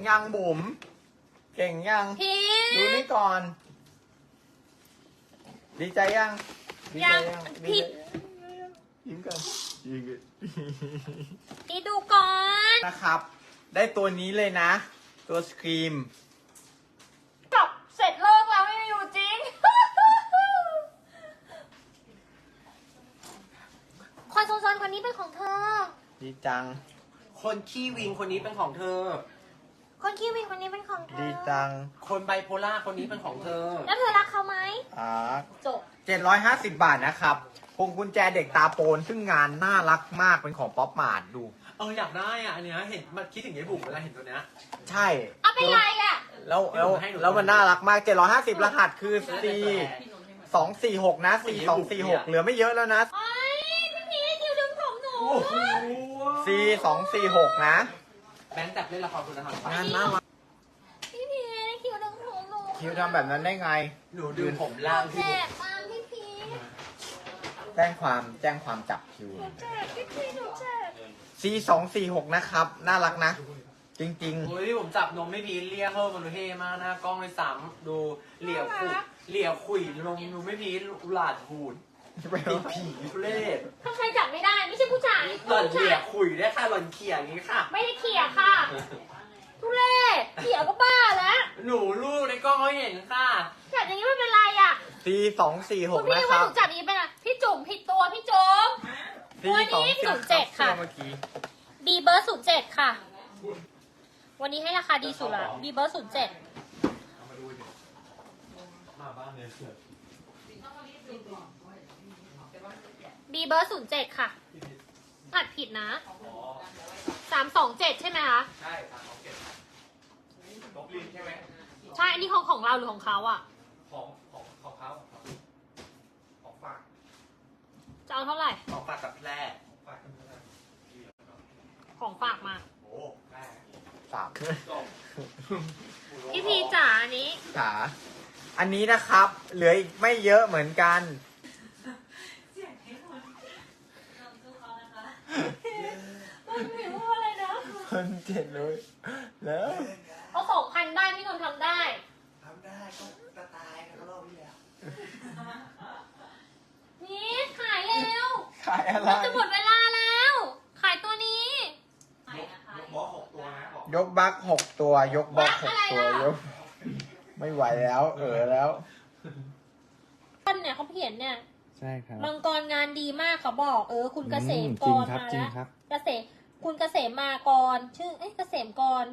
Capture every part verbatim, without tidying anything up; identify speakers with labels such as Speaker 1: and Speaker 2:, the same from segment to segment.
Speaker 1: ยังบุ๋มเก่งยัง
Speaker 2: พี่
Speaker 1: ดูนี่ก่อน ดีใจยังดีใจยัง
Speaker 2: พี่
Speaker 1: ยิ้มกันยิ้มกัน
Speaker 2: พี่ดูก่อน
Speaker 1: นะครับ ได้ตัวนี้เลยนะ ตัวสครีม
Speaker 2: กลับเสร็จเลิกแล้วไม่อยู่จริง คนโซนๆคนนี้เป็นของเธอ
Speaker 1: ดีจัง
Speaker 3: คนขี้วิงคนนี้เป็นของเธอ
Speaker 2: คนคิววินคนนี้เป็นของเธอ
Speaker 1: ดีจัง
Speaker 3: คนไบโพล่าคนนี้เป็นของเธอ
Speaker 2: แล้วเธอรักเขาไหม
Speaker 1: อ่า
Speaker 2: จบ
Speaker 1: เจ็ดร้อยห้าสิบบาทนะครับพวงกุญแจเด็กตาโปนซึ่งงานน่ารักมากเป็นของป๊อปมาร์ทดู
Speaker 3: เอออยากได้อ่ะอันเนี้ยเห็นมันคิดถึงยายบุ๋มเวลาเห็นตัวเนี้ย
Speaker 1: ใช่
Speaker 2: เอาเป็นไรอ่ะ
Speaker 1: แล้วแล้วแล้วมันน่ารักมากเจ็ดร้อยห้าสิบรหัสคือ C สองสี่หกนะ C สองสี่หกเหลือไม่เยอะแล้วนะ
Speaker 2: ไอ้พี่พีคิวดึงผมหนู
Speaker 1: C สองสี่หกนะ
Speaker 3: แบงค์จับเล่นละครคุณธรรม
Speaker 1: งานน่ารัก
Speaker 2: พี่พีคิวดึงผมหนู
Speaker 1: คิวทำแบบนั้นได้ไง
Speaker 3: หนูดึงผมล่าง
Speaker 2: แจ
Speaker 3: ที่บุ๋ม
Speaker 2: กตามพี่พี
Speaker 1: แจ้งความแจ้งความจับคิว
Speaker 2: หนูแจกพี่พีหนูแจก
Speaker 1: C สองสี่หกนะครับ น่ารักนะ จริง
Speaker 3: โอ้ยผมจับนมไม่พีเรียกเพิ่มมันดูเท่มากหน้ากล้องเลยซ้ำดูเหลี่ยขุยเหลี่ยขุยนมดูไม่พีหลาดหูด
Speaker 1: ๆ
Speaker 3: ติดผีทุเรศ
Speaker 2: ถ้าใครจับไม่ได้ไม่ใช่ผู้ชาย
Speaker 3: หล่อน
Speaker 2: ผู้
Speaker 3: เหลี่
Speaker 2: ชาย ย
Speaker 3: ขุยได้ค่ะหล่อนเขี่ยอย่างนี้ค่ะ
Speaker 2: ไม่ได้เขี่ยค่ะ ทุเรศเขี่ยก็บ้าแล้ว
Speaker 3: หนูลูกในกล้องเขาเห็นค่ะ
Speaker 2: จับอย่างนี้ไม่เป็นไรอ่ะ
Speaker 1: C สองสี่ห
Speaker 2: คุ
Speaker 1: ก
Speaker 2: ณพี่
Speaker 1: นะค
Speaker 2: ว่า
Speaker 1: รั
Speaker 2: ห
Speaker 1: บ
Speaker 2: นูจับอย่างนี้เป็นอะไรพี่จุ๋มผิดตัวพี่จุ๋ม
Speaker 1: C
Speaker 2: วัน
Speaker 1: สอง
Speaker 2: นี้
Speaker 1: สี่
Speaker 2: ศูนย์เจ็ดค่ะ
Speaker 1: เมื่อกี้
Speaker 2: ดีเบอร์ศูนย์เจ็ดค่ะ วันนี้ให้ราคาดีสุดละดีเบอร์ศูนย์เจ็ด
Speaker 3: มาบ้านเลย
Speaker 2: ดีเบอร์ศูนย์เจ็ดค่ะผัดผิดนะสามสองเจ็ดใช่ไหมคะ
Speaker 3: ใช่ทางเขาเก็บตกลินใช่ไหม
Speaker 2: ใช่ อันนี้ของของเราหรือของเขาอ่ะ
Speaker 3: ของของของเขาของฝาก
Speaker 2: จะเอาเท่าไหร่
Speaker 3: ของฝากกับแพร่ของฝากกับแพร่
Speaker 2: ของฝากมา
Speaker 3: โอ้แม่
Speaker 1: สาม
Speaker 2: พี่พีจ๋าอันนี้
Speaker 1: จ๋าอันนี้นะครับ เหลืออีกไม่เยอะเหมือนกัน
Speaker 2: มันผิวอะไรนะ
Speaker 1: คนเจ็ดเลยแล้ว
Speaker 2: เขาสองพันได้พี่นนท์ทำได้
Speaker 3: ทำได้ก็จะตายนะก็รอบที่แล้ว
Speaker 2: นี่ขายแล้ว
Speaker 1: ขายอะไร
Speaker 2: จะหมดเวลาแล้ว ขายตัวนี้
Speaker 3: ยกบอสหกตัวนะบอก
Speaker 1: ยกบัคหกตัวยกบล็อกหกตัว
Speaker 2: บัคอะไรล่ะ
Speaker 1: ยก ไม่ไหวแล้ว เออแล้ว
Speaker 2: ท่านเนี่ยเขาเขียนเนี่ย
Speaker 4: ใช่ครับ
Speaker 2: มังกรงานดีมากเขาบอก เออ คุณเกษมกร
Speaker 4: อืมจริงครับ
Speaker 2: มา
Speaker 4: จริ
Speaker 2: แล้วเกษม
Speaker 4: งครับ
Speaker 2: คุณเกษมมากร ชื่อ เอ๊ะเกษมกร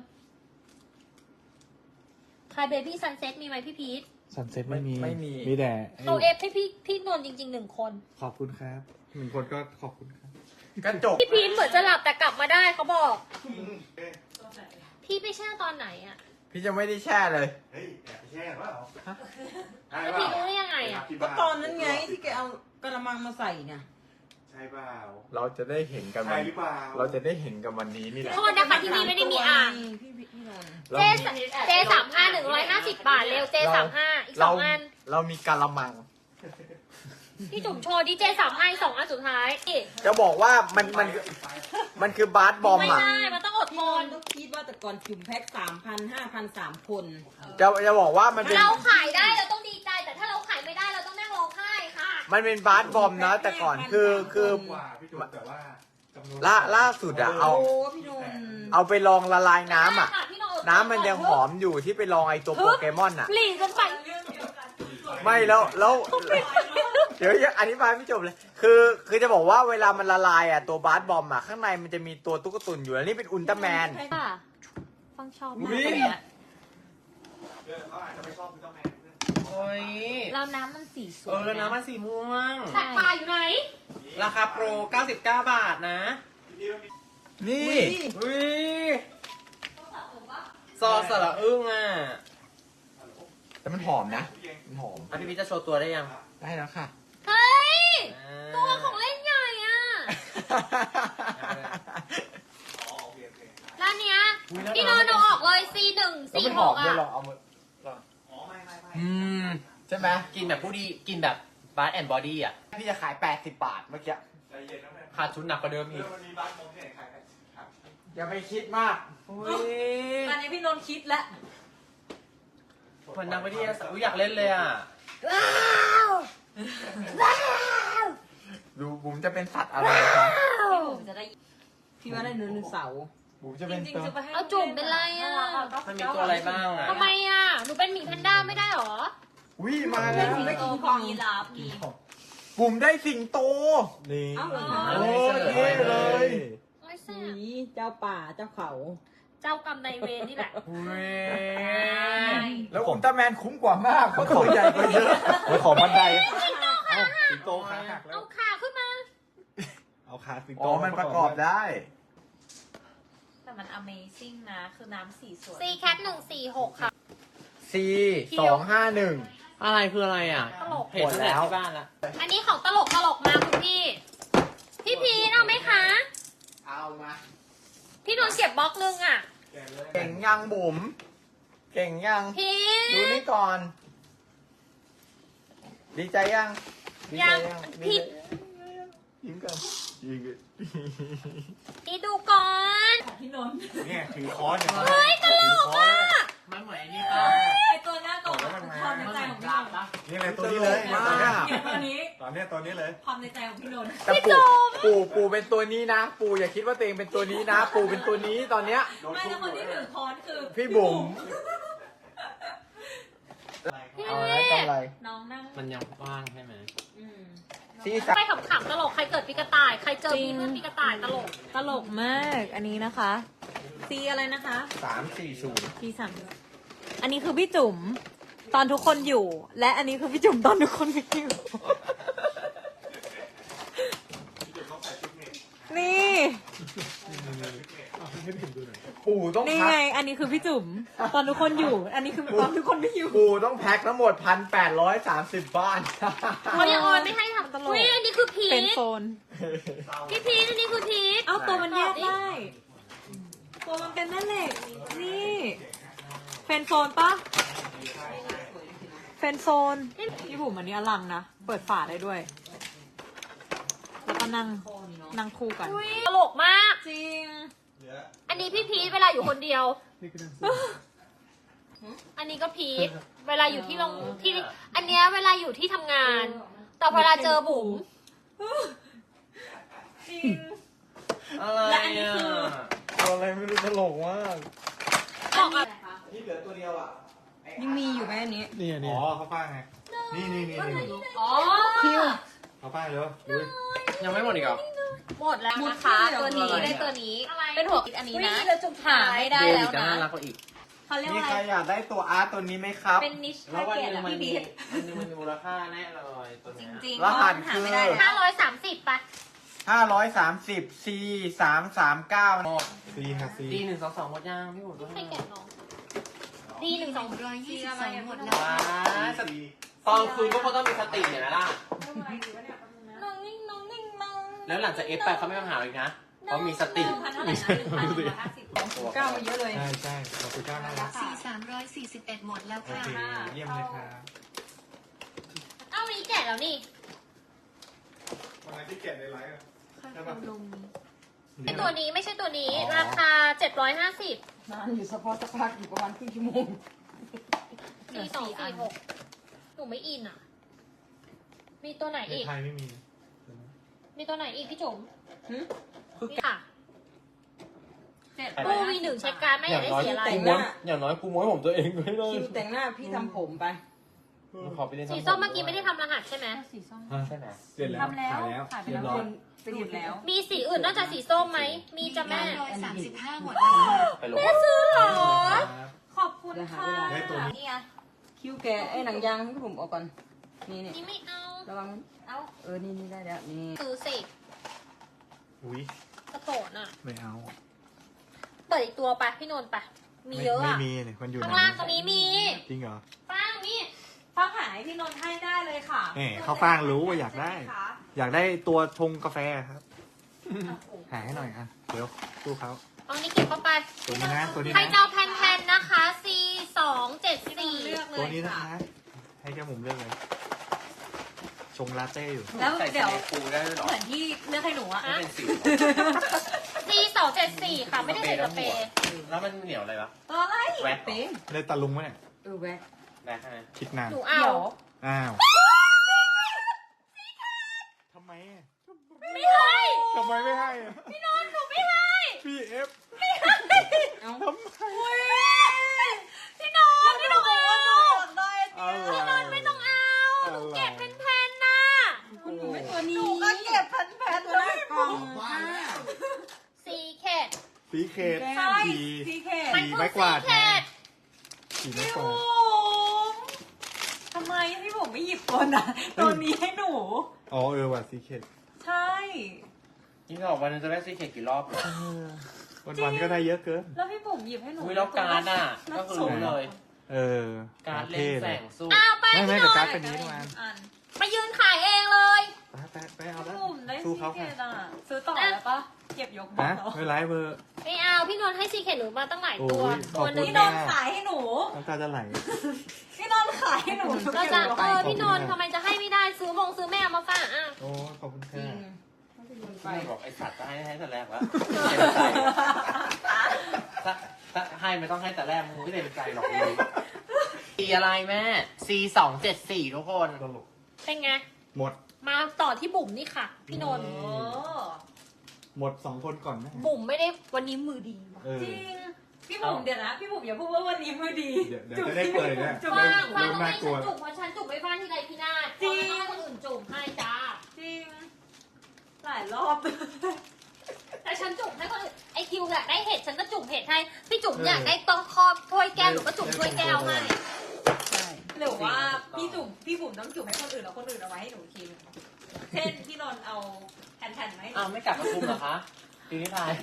Speaker 2: ใครเบบี้ซันเซ็ตมีไหมพี่พีท
Speaker 4: ซันเซ็ตไม่มี
Speaker 1: ไม่มี
Speaker 4: มีแต่ไอ้
Speaker 2: เขาเอฟให้พี่พี่นนท์จริงๆหนึ่งคน
Speaker 4: ขอบคุณครับหนึ่งคนก็ขอบคุณครับ
Speaker 1: กระจก
Speaker 2: พี่พีทเหมือนจะหลับแต่กลับมาได้เขาบอก พี่ไปแช่ตอนไหนอะ
Speaker 1: พี่จะไม่ได้แช่เลย
Speaker 5: เฮ้ยแอบไปแช่เปล่า
Speaker 2: แล้วพี่รู้ได้ยังไงอะ
Speaker 5: ก็
Speaker 6: ก็ตอนนั้นไงที่แกเอากระมังมาใส่เนี่ย
Speaker 5: ใช่เปล่า
Speaker 1: เราจะได้เห็นกัน
Speaker 5: ใช่
Speaker 1: วัน
Speaker 5: หรือเปล่า
Speaker 1: เราจะได้เห็นกันวันนี้นี่แหละ
Speaker 2: โทษนะคะที่นี่ไม่ได้มีอ่าง
Speaker 6: พี่พี่พี่นนท์
Speaker 2: เจเจสามห้าหนึ่งร้อยห้าสิบบาทเร็วเจสามห้าอีกส
Speaker 1: เรา
Speaker 2: องอัน
Speaker 1: เรามีกะละมัง
Speaker 2: พี่จุ๋มโชว์ดิเจสามห้าอีกสองอันสุดท้ายนี่
Speaker 1: จะบอกว่ามันมันมันคือบาสบอม
Speaker 2: ไม่
Speaker 1: อ่ะ
Speaker 2: ได้มันต้องอดท
Speaker 6: พี่น
Speaker 2: น
Speaker 6: นท์ต้องคิดว่าแต่ก่อนจุ่มแพ็คสามพันห้าพันสามคน
Speaker 1: จะจะบอกว่ามันเป็น
Speaker 2: เราขายได้เราต้องดีใจ แต่ถ้าเราขายไม่ได้เราต้องนั่งร้องไห้ค่ะ
Speaker 1: มันเป็นบาสบอมนะ แต่ก่อนคือคือ
Speaker 5: กว่าพี่จุ๊บแต่ว่าจำนวน
Speaker 1: ล่าล่าสุดอะเอา
Speaker 6: โอ้พี่นนท์
Speaker 1: เอาไปลองละลายน้ำอ่ะ
Speaker 2: ได้ค่พี่อดท
Speaker 1: น้ำมันยังหอมอยู่ที่ไปลองไอตัวโปเกมอนอ่ะ
Speaker 2: หลีกกันไป
Speaker 1: ไม่แล้วแล้วเดี๋ยวยังอธิบายไม่จบเลย คือคือจะบอกว่าเวลามันละลายอ่ะตัวบาสบอมอ่ะข้างในมันจะมีตัวตุ๊กตุนอยู่แล้วนี่เป็นอุลตร้าแมน
Speaker 2: ค่ะฟังชอบมาก
Speaker 1: อุ๊ย
Speaker 2: เลยอะ
Speaker 5: เออเขาอาจจะไม่ชอบพี่ต้องแมน
Speaker 3: โอ้ย
Speaker 2: แล้วน้ำมันสีส
Speaker 3: เอ
Speaker 2: วย
Speaker 3: อน้ำมันสีม่วง
Speaker 2: แต่ปลาอยู่ไหน
Speaker 3: ราคาโปรเก้าสิบเก้าบาทนะ
Speaker 1: นี่
Speaker 3: อุ้ยซอสสระอึ้งอ่ะ
Speaker 1: แต่มันหอมนะมันหอม
Speaker 3: อ่ะพี่พีชจะโชว์ตัวได้ยัง
Speaker 1: ได้แล้วค่ะ
Speaker 2: เฮ้ย
Speaker 3: อ่า
Speaker 2: ตัวของเล่นใหญ่อะร้านเนี้ยพี่นอนท์เอาออกเลย ซี หนึ่ง
Speaker 1: แล้ว
Speaker 2: ซี
Speaker 1: มันห
Speaker 2: ห
Speaker 1: อก ม
Speaker 2: อะ
Speaker 1: ด้วยลองเอามือ
Speaker 5: อ๋อไม่ไม่ไม่
Speaker 3: อืม
Speaker 1: ใช่ไหม
Speaker 3: กินแบบผู้ดีกินแบบบาร์แอนด์บอดี้อ่ะ
Speaker 1: พี่จะขายแปดสิบบาทเมื่อกี้
Speaker 5: ใจเย็นนะแม่
Speaker 3: ขาดทุนหนักกว่าเดิม
Speaker 5: เอ
Speaker 3: อีก
Speaker 5: อมันมีบ้านมองที่ไหนขายกันครับ
Speaker 1: อย่าไปคิดมาก
Speaker 3: อุ้ย
Speaker 6: ตอนนี้พี่นนท์คิดแล้ว
Speaker 3: เหมือนนักวิทยาศาสตร์อุ๊ยอยากเล่นเลยอ่ะ
Speaker 1: ดูบุ๋มจะเป็นสัตว์อะไรครับ
Speaker 6: พี่ผมจะได้พี่ว่าได้เนื้อหนึ่งเสาร์
Speaker 1: บุ๋มจะเป็นตัว
Speaker 2: เอาจุ่มเป็นไรอ่ะ
Speaker 3: มันมีตัวอะไรบ้างอ่ะ
Speaker 2: ทำไมอ่ะ หนูเป็นหมีแพนด้าไม่ได้หรอ
Speaker 1: อุ้ยมาแล้ว
Speaker 6: ได้กินของยีราฟ
Speaker 1: บุ๋มได้สิงโต
Speaker 4: นี่
Speaker 6: เอ้าเหรอ
Speaker 1: โอ้เท่เลย
Speaker 2: โอ้ยแซ่
Speaker 6: ห
Speaker 2: บ
Speaker 6: มีเจ้าป่าเจ้าเขา
Speaker 2: เจ้ากรรมนายเวรนี่แหละ
Speaker 3: อุ้ย
Speaker 1: แล้วอุลตร้าแมนคุ้มกว่ามากเพราะตัวใหญ่กว่าเยอะ
Speaker 4: โอ้ยของบันไดเอ้าสิงโตขาหักแล้
Speaker 2: เอา
Speaker 4: ว
Speaker 2: ขาขึ้นมา
Speaker 4: เอาขาสิงโต
Speaker 1: อ๋อมันประกอบได้
Speaker 7: แต่มัน Amazing นะ คือน้ำสีสวย
Speaker 2: C cat หนึ่งสี่หกค่ะ
Speaker 1: C สองห้าหนึ่ง
Speaker 3: อะไรคืออะไรอ่ะ
Speaker 2: ตลก
Speaker 3: เห็นตั้งแต่ที่บ้านละ
Speaker 2: อันนี้ของตลกตลกมาคุณพี่ พี่พีทเอาไหมคะ
Speaker 1: เอามา
Speaker 2: พี่นนท์เก็บบล็อกนึงอ่ะ
Speaker 1: เก่งยังบุ๋มเก่งยัง
Speaker 2: พี
Speaker 1: ดู
Speaker 2: ท
Speaker 1: นี่ก่อน ดีใจยังดีใจ
Speaker 2: ยัง
Speaker 1: ดี
Speaker 2: พี่
Speaker 1: ใจยิ้มกันยิ้มกัน
Speaker 2: พีทดูก่อน
Speaker 6: พี่นนท์
Speaker 5: เนี่ยถือค้อนเนี่ย
Speaker 2: เฮ้ยตลกอ่ะ
Speaker 3: มันเหมือนไอ้นี่ป่ะ
Speaker 6: ไอตัวหน้ากล่องความในใจของพี่นนท์
Speaker 5: นี่เลยตัวนี้เลยเนี่ยตัวเนี้ย
Speaker 6: เก็บตัวนี้
Speaker 5: ตอนเนี้ยตัวนี้เลย
Speaker 6: ความในใจของพี่นนท์
Speaker 1: แต่ปู่ปู่ปู่เป็นตัวนี้นะ ปู่อย่าคิดว่าตัวเองเป็นตัวนี้นะ ปู่เป็นตัวนี้ตอนเนี้ย
Speaker 6: ไม่แล้วคนที่ถือค้อนคือ
Speaker 1: พี่บุ๋ม
Speaker 2: พี่
Speaker 1: เอาอะไรกำไร
Speaker 7: น้องนั่ง
Speaker 3: มันยังว่างใช่ไหม
Speaker 6: อืม
Speaker 1: ซีสาม
Speaker 2: ไปขำๆตลกใครเกิดปีกระต่าย ใครเจอพี่เพื่อนปีกระต่ายตลก
Speaker 7: ตลกมาก อันนี้นะคะ ซีอะไรนะคะ
Speaker 1: สามสี่ศูนย์
Speaker 7: ซีสามอันนี้คือพี่จุ๋มตอนทุกคนอยู่ และอันนี้คือพี่จุ๋มตอนทุกคนไม่อยู่ นี่
Speaker 1: ปู่ต้อง
Speaker 7: นี่
Speaker 1: พั
Speaker 7: ไง
Speaker 1: ก
Speaker 7: อันนี้คือพี่จุ๋มตอนทุกคนอยู่ อันนี้คือตอนทุกคนไม่อยู่
Speaker 1: ปู่ต้องแพ็คทั้งหมดพันแปดร้อยสามสิบบ้าน
Speaker 2: เขายังออนไม่ให้ทำตลกอุ้ยอันนี้คือพี
Speaker 7: เป็น
Speaker 2: ท
Speaker 7: โซน
Speaker 2: พี่พีทอันนี้คือพีท
Speaker 7: เอาตัวมันแยกได้ ตัวมันเป็นแม่เหล็ก นี่เฟนโซนปะเฟนโซนพี่บุ๋มอันนี้อลังนะ เปิดฝาได้ด้วย แล้วก็นั่งนั่งคู่กัน
Speaker 2: อุ๊ยตลกมาก
Speaker 7: จริง
Speaker 2: อันนี้พี่พีทเวลาอยู่คนเดียว อันนี้ก็พีทเวลาอยู่ที่โรงที่ อันเนี้ยเวลาอยู่ที่ทำงาน แต่เวลาเจอบุ๋ม
Speaker 7: จริง
Speaker 3: อะไร
Speaker 7: และอันนี้
Speaker 3: อ่ะ
Speaker 7: คือ
Speaker 1: ตัวอะไรไม่รู้ตลกมาก
Speaker 2: บอกอ่ะ
Speaker 1: นี่เหลือตัวเดียวอ่ะ
Speaker 6: ยังมีอยู่ไหมอันนี้
Speaker 4: นี่
Speaker 5: อ๋
Speaker 4: นี่
Speaker 5: อเขาป้าไง นี่นี่นี่นี่
Speaker 2: อ๋อ
Speaker 5: เขาป้าเลยดู
Speaker 3: ยังไม่หมดอีกเหรอ
Speaker 2: หมดแล้วนะคะ
Speaker 6: หม
Speaker 2: ตัว
Speaker 6: ดเลย
Speaker 2: นี้
Speaker 6: เหรอ
Speaker 2: ได้ตัวนี้
Speaker 7: อะไร
Speaker 2: เป็นหัวคิดอันนี้นะ
Speaker 7: หาไม่ได้แล้ว
Speaker 3: จะ
Speaker 7: นะ
Speaker 3: น่ารักกว่าอีก
Speaker 7: เขาเรียก
Speaker 1: มี
Speaker 7: ว่า
Speaker 1: ใค
Speaker 7: อะ
Speaker 1: ร
Speaker 7: ไร
Speaker 1: อยากได้ตัวอาร์ตตัวนี้ไหมครับ
Speaker 7: เป็นนิช
Speaker 3: แล้
Speaker 7: ทาว
Speaker 3: วัน
Speaker 7: เก
Speaker 3: ห
Speaker 7: ต
Speaker 3: นึง
Speaker 7: อะ
Speaker 3: มัน
Speaker 7: พี่
Speaker 3: มี
Speaker 7: พีท
Speaker 3: วันหนึงมันมีมูลค่าแน่เลยตัว
Speaker 7: จ
Speaker 3: เนี้ย
Speaker 7: ริงๆ
Speaker 1: รหัส
Speaker 7: หา
Speaker 1: คือ
Speaker 7: ไม่ได้
Speaker 2: ห้าร้อยสามสิบป่ะ
Speaker 1: ห้าร้อยสามสิบ C สามสามเก้า
Speaker 4: ซีค่ะซี
Speaker 3: ดีหนึ่งสองสองหมดยังพี่ผมตัว
Speaker 2: ให้
Speaker 3: ให้
Speaker 2: แกะน้องดีหนึ่งสอง
Speaker 7: ร้อยยี่สิบสองหมดแล้ว
Speaker 3: ว้าสติตอนคืนก็ต้องมีสติเนี่ยนะล่ะ
Speaker 2: น้องนิ่งน้องนิ่งน้อง
Speaker 3: แล้วหลังจากเอฟไปเขาไม่มาหาอีกนะเพราะมีสติ
Speaker 7: พันเท่าไหร่นะหนึ่งพันหนึ่งร้อยห้าสิบ
Speaker 6: เก้ามาเยอะเลย
Speaker 4: ใช่ใช่ขอบคุณเจ้าน่ารัก
Speaker 7: สี่สามร้อยสี่สิบเอ็ดหมดแล้ว
Speaker 4: โอ
Speaker 7: ค่ะ
Speaker 4: เคเยี่ยมเลยครับ
Speaker 2: เอ้าวันนี้แกะแล้วนี่
Speaker 5: วันนั้นที่เก็บในไลฟ์อะใช่ปะ
Speaker 2: ไอตัวนี้ไม่ใช่ตัวนี้ ราคาเจ็ดร้อยห้าสิบ
Speaker 6: นานอยู่เฉพาะสักพักอยู่ประมาณครึ่งชั่วโมง
Speaker 2: สี่สองสี่หกหนูไม่อินอ่ะ มีตัวไหน
Speaker 4: ใน
Speaker 2: อีก
Speaker 4: ไทยไม่มี
Speaker 2: มีตัวไหนอีกพี่จุ๋ม
Speaker 6: หึ
Speaker 2: นี่ค่ะ
Speaker 7: เจ็ด
Speaker 2: ตู้วีหนึ่งเช็คการดไม่อยากได้สีอะไร
Speaker 6: แต่งห
Speaker 3: ม้ว
Speaker 6: น้า
Speaker 3: นอย่างน้อยกูม้วนผมตัวเองด้วยเลย
Speaker 6: คิวแต่งหน้าพี่ทำผมไป
Speaker 3: ขอไปเล่น
Speaker 2: สีส้มเมื่อกี้ไม่ได้ทำรหัสใช่ไหม
Speaker 7: สีส้ม
Speaker 3: ใช่ไหม
Speaker 4: เสร็จแล้ว
Speaker 7: ทำแล้ว
Speaker 4: ขายแล้ว
Speaker 7: ขายไป
Speaker 4: เรีย
Speaker 7: แล้ว
Speaker 4: บร้อย
Speaker 6: ไปหยุดแล้ว
Speaker 2: มีสีอื่นนอกจากสีส้มไหม มีจ้ะแม่
Speaker 7: ร้อยสามสิบห้าหมดแล้วค่ะ
Speaker 3: ไปลง
Speaker 2: แม่ซื้อเหรอ
Speaker 7: ขอบคุณค่ะ
Speaker 5: ได้ตัวนี้
Speaker 7: นี่ไง
Speaker 6: คิวแกะไอ้หนังยางให้ผมออกก่อน นี่นี่
Speaker 2: นี่ไม่เอา
Speaker 6: ระวัง
Speaker 7: เอา
Speaker 6: เออ นี่นี่ได้แล้ว นี่
Speaker 2: ซื้อสิ
Speaker 4: อุ้ย
Speaker 2: กระโตนอ่ะ
Speaker 4: ไม่เอา
Speaker 2: เปิดอีกตัวไปพี่นนท์ไป มีเยอะ
Speaker 4: ไม่
Speaker 2: อ่ะ
Speaker 4: มีเนี่ยมันอยู่
Speaker 2: ข้าง
Speaker 4: ใน
Speaker 2: ล่างตรงนี้มี
Speaker 4: จริงเหรอ
Speaker 2: ฟ้างมี
Speaker 7: ฟังหายพี่นนท์ให้ได้เลยค่ะ
Speaker 4: แหมข้าวฟ่างรู้ว่าอยากได้ อยากได้ตัวชงกาแฟครับ หาให้หน่อยอ่ะ เดี๋ยวสู้เขา
Speaker 2: เอานี่เก็บเข้าไป
Speaker 4: ตัวนี้นะ ตัวนี้
Speaker 2: ใคร
Speaker 4: นะ
Speaker 2: จะเอาแผ่นๆนะคะ C สองเจ็ดสี่
Speaker 7: เลือกเล
Speaker 4: ตัวย นี้นะคะ ให้แก้มุมเลือกเลย ชงลาเต้อยู่
Speaker 7: แล้ว
Speaker 3: ใส่
Speaker 7: เดี๋ยว
Speaker 3: สปูได้ด้วยเหรอ
Speaker 7: เหมือนที่เลือกให้หนูอะ
Speaker 3: ไม่เป็นสี
Speaker 2: C ซีสองเจ็ดสี่ค่ะ ไม่ได้ใส่สเปรย์
Speaker 3: แล้วมันเหนียวอะไรวะ
Speaker 6: ตัวอะไร
Speaker 3: แวะ
Speaker 6: เป็น
Speaker 4: ได้ตาลุงไหมเนี่ย
Speaker 6: เออแวะ
Speaker 3: แวะใช่ไหม
Speaker 4: คิดนาน
Speaker 2: หนูเอา
Speaker 6: เดี๋ยว
Speaker 4: อ้าวทำไมอะ
Speaker 2: ไม่ให้
Speaker 4: ทำไมไม่ให้อะ
Speaker 2: พี่นนท์หนูไม่ให้
Speaker 4: พี่เอฟ
Speaker 6: เอา
Speaker 4: ทำไม
Speaker 2: พี่นนท์พี่นนท์เอา
Speaker 4: อะไร
Speaker 2: พี่นนท์ไม่ต้องเอาหนูเก็บเป็นแผ่นๆนะ
Speaker 6: หนูไม่ตัวนี้หนูก็เก็บแผ่นๆตัวหน้ากล่องค่ะ
Speaker 2: ซีเคด
Speaker 4: สีเขต
Speaker 6: ใช่
Speaker 4: สี
Speaker 6: ซีเค
Speaker 2: มัน
Speaker 4: สี
Speaker 2: คือ
Speaker 4: ไม้กวาด
Speaker 2: ซีเคด
Speaker 4: สีไม้ก
Speaker 7: พี่
Speaker 4: วา
Speaker 7: บุ๋
Speaker 4: ด
Speaker 7: มทำไมพี่บุ๋มไม่หยิบตัวนั้นตัวนี้ให้หนู
Speaker 4: อ๋อเออว่ะสีเขต
Speaker 7: ใช่
Speaker 3: นี่บอกวันนึงจะได้ซีเค็ดกี่รอบ
Speaker 4: วันวันๆก็ได้เยอะเกิน
Speaker 7: แล้วพี่บุ๋มหยิบให้หนู
Speaker 3: อุ้ยแล้วการ์ดอ่ะ ก็คือรู้เลย
Speaker 4: เออ
Speaker 3: การ์ดเล่นแสงสู้
Speaker 2: เอาไป
Speaker 4: ไม่ไม่
Speaker 2: พี่น
Speaker 4: แต่
Speaker 2: น
Speaker 4: การ์ด
Speaker 2: ท์
Speaker 4: เป็นนี้ทุกอัน
Speaker 7: อัน
Speaker 2: มายืนขายเองเลย
Speaker 4: ไปไปไปเอา
Speaker 7: พี่
Speaker 4: แล้ว
Speaker 7: บุ๋มได้
Speaker 4: สู้
Speaker 7: ซี
Speaker 4: เขา
Speaker 7: เก
Speaker 4: ค่ะ
Speaker 7: ตอ่ะซื้อต่อแล้วปะเก็บยกบอ
Speaker 4: ฮะ
Speaker 7: ลแล้ว
Speaker 4: ไม่ไรเบอร์
Speaker 2: ไม่เอาพี่นนท์ให้ซีเคดหนูมาตั้งหลายตัว
Speaker 4: โอ้ย
Speaker 2: ตัวหนึ่ง
Speaker 7: พี่นนท์ขายให้หนู
Speaker 4: น้ำตาจะไหล
Speaker 7: พี่นนท์ขายให้หนู
Speaker 2: เราจะเออ
Speaker 4: ขอบคุณ
Speaker 2: พี่นนท์
Speaker 4: ค่ะ
Speaker 2: ทำไมจะให้ไม่ได้ซื้อมงซื้อแม่เอามาฝากอ่ะ
Speaker 4: โอ้ขอบคุณ
Speaker 6: จริ
Speaker 4: ค่ะ
Speaker 6: ง
Speaker 3: ไม่บอกไอสัตว์จะให้ให้แต่แรกวะเต็มใจถ้าถ้าให้ไม่ต้องให้แต่แรกมึงไม่เต็มใจหรอกเลยสีอะไรแม่ C สองเจ็ดสี่ทุกคน
Speaker 4: ตลก
Speaker 2: เป็นไง
Speaker 4: หมด
Speaker 2: มาต่อที่บุ๋มนี่ค่ะ พี่นนท์
Speaker 4: อื
Speaker 7: โอ้
Speaker 4: หมดสองคนก่อนนะ
Speaker 2: บุ๋มไม่ได้วันนี้มือดีว่ะ
Speaker 4: เออ
Speaker 7: จริง พี่บุ๋มเดี๋ยวนะ พี่บุ๋มอย่าพูดว่าวันนี้มือดี
Speaker 4: เดี๋ยวเดี๋ยวจะได้เปิดเนี่ย
Speaker 7: จุ๊บ
Speaker 2: ฟาง
Speaker 7: ๆ
Speaker 2: ฟาง
Speaker 4: เริ่ม
Speaker 2: ต้องให้
Speaker 4: น่ากลั
Speaker 2: ฉั
Speaker 4: ว
Speaker 2: นจุ่มเพราะฉันจุ่มไม่ฟางที่ไรพี่นาศ
Speaker 7: จริง
Speaker 2: ต้องให้คนอื่นจุ่มให้จ้า
Speaker 7: จริง หลายรอบ
Speaker 2: แต่ฉันจุ่มให้คนอื่นไอคิวอยากได้เห็ดฉันก็จุ่มเห็ดให้พี่จุ่มอยากได้ต้องครอบถ้วยแก้วหนูก็จุ่มถ้วยแก้วให้
Speaker 6: ใช่
Speaker 7: หรือว่าพี่จุ๋มพี่บุ๋มต้องจุ่มให้คนอื่นแล้วคนอื่นเอาไว้ให้หนูกิน เช่นพี่นนท์เอาแผ่นๆไหมาให้หนู
Speaker 3: อ้าวไม่กลับมาคุมเหรอคะปีนี้ทาย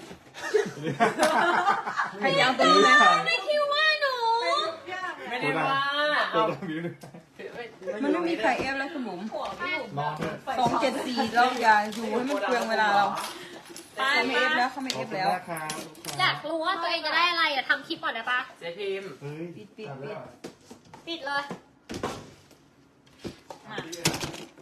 Speaker 6: ใครจะเอาตัวนี้ไหม
Speaker 2: ไอคิวว่าหนู
Speaker 3: ไม่ได้ว่า
Speaker 4: ตัว
Speaker 3: เอา
Speaker 4: ดำอยู่ด้วย
Speaker 6: มันไม่มีใครเอฟแล้วคุณบุ๋ม
Speaker 7: หัวพี่บุ๋ม
Speaker 4: นอนเถอะ
Speaker 6: สองเจ็ดสี่เราอย่าอยู่ให้มันเปลืองเวลาเราเขาไม่เอฟแล้วเขาไม่
Speaker 4: ข
Speaker 6: เอ
Speaker 4: อบ
Speaker 6: ฟ
Speaker 4: คุณ
Speaker 6: แล้ว
Speaker 4: มากครับลูกค้า
Speaker 2: อยากรู้ว่าตัวเองจะได้อะไรอะทำคลิปก่อนได้ปะ
Speaker 3: เจ๊พิมพ์
Speaker 4: เฮ้ย
Speaker 6: ปิดปิด
Speaker 4: ทำแล้ว
Speaker 6: ปิด
Speaker 2: ปิดเลย
Speaker 7: อ่ะ
Speaker 4: ก